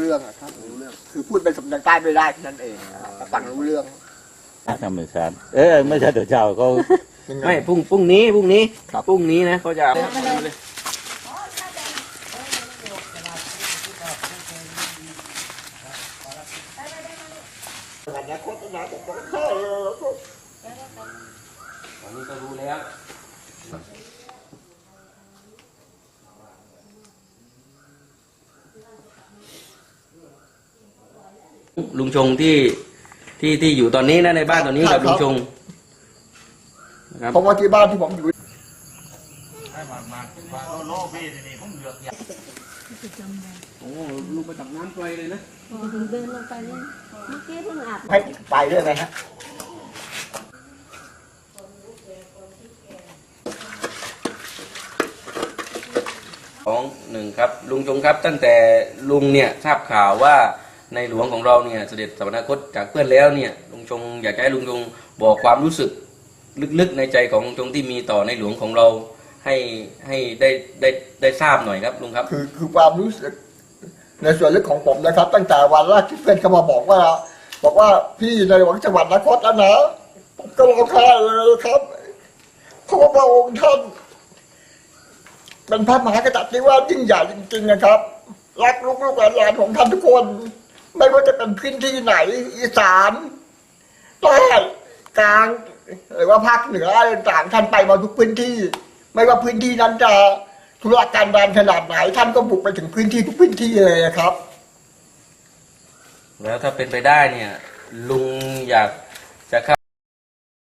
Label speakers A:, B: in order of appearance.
A: รื่องอะครับรู้เรื่องคือพูดเป็นสำเนียงใต้ไม่ได้นั่นเองแต่ฟังรู้เรื่อง
B: ธรรมชาติไม่ใช่เดี๋ยวเจ้าเขา
C: ไม่พรุ่งนี้นะเขาจะ
A: อนาคตอนาคตของข้า
C: ตอนนี้ก็รู้แล้วลุงชงที่อยู่ตอนนี้นะในบ้านตอนนี้กับลุงชงนะครับ
A: เพราะว่าที่บ้านที่ผมอยู่
C: โอ้ลุงไปตักน้ำไกลเลยนะ
D: เดินลงไปเลยเมื่อกี้เพิ่งอาบ
A: ให้ไปด้วยไหมฮะ
C: 1ครับลุงชงครับตั้งแต่ลุงเนี่ยทราบข่าวว่าในหลวงของเราเนี่ยเสด็จสวรรคตจากเพื่อนแล้วเนี่ยลุงชงอยากจะให้ลุงชงบอกความรู้สึกลึกๆในใจของลุงชงที่มีต่อในหลวงของเราให้ได้ทราบหน่อยครับลุงครับ
A: คือความรู้สึกในส่วนลึกของผมนะครับ ตั้งแต่วันแรกที่เพื่อนเขามาบอกว่าพี่ในหลวงจังหวัดนครแล้วนะผมก็ร้องไห้เลยครับเพราะว่าพระองค์ท่านเป็นพระมหากษัตริย์ที่ว่ายิ่งใหญ่จริงๆนะครับรักลูกหลานของท่านทุกคนไม่ว่าจะเป็นพื้นที่ไหนอีสานใต้กลางหรือว่าภาคเหนืออะไรต่างท่านไปมาทุกพื้นที่ไม่ว่าพื้นที่นั้นจะธุรการดานขนาดไหนท่านก็บุกไปถึงพื้นที่ทุกพื้นที่เลยครับ
C: แล้วถ้าเป็นไปได้เนี่ยลุงอยากจะเข้า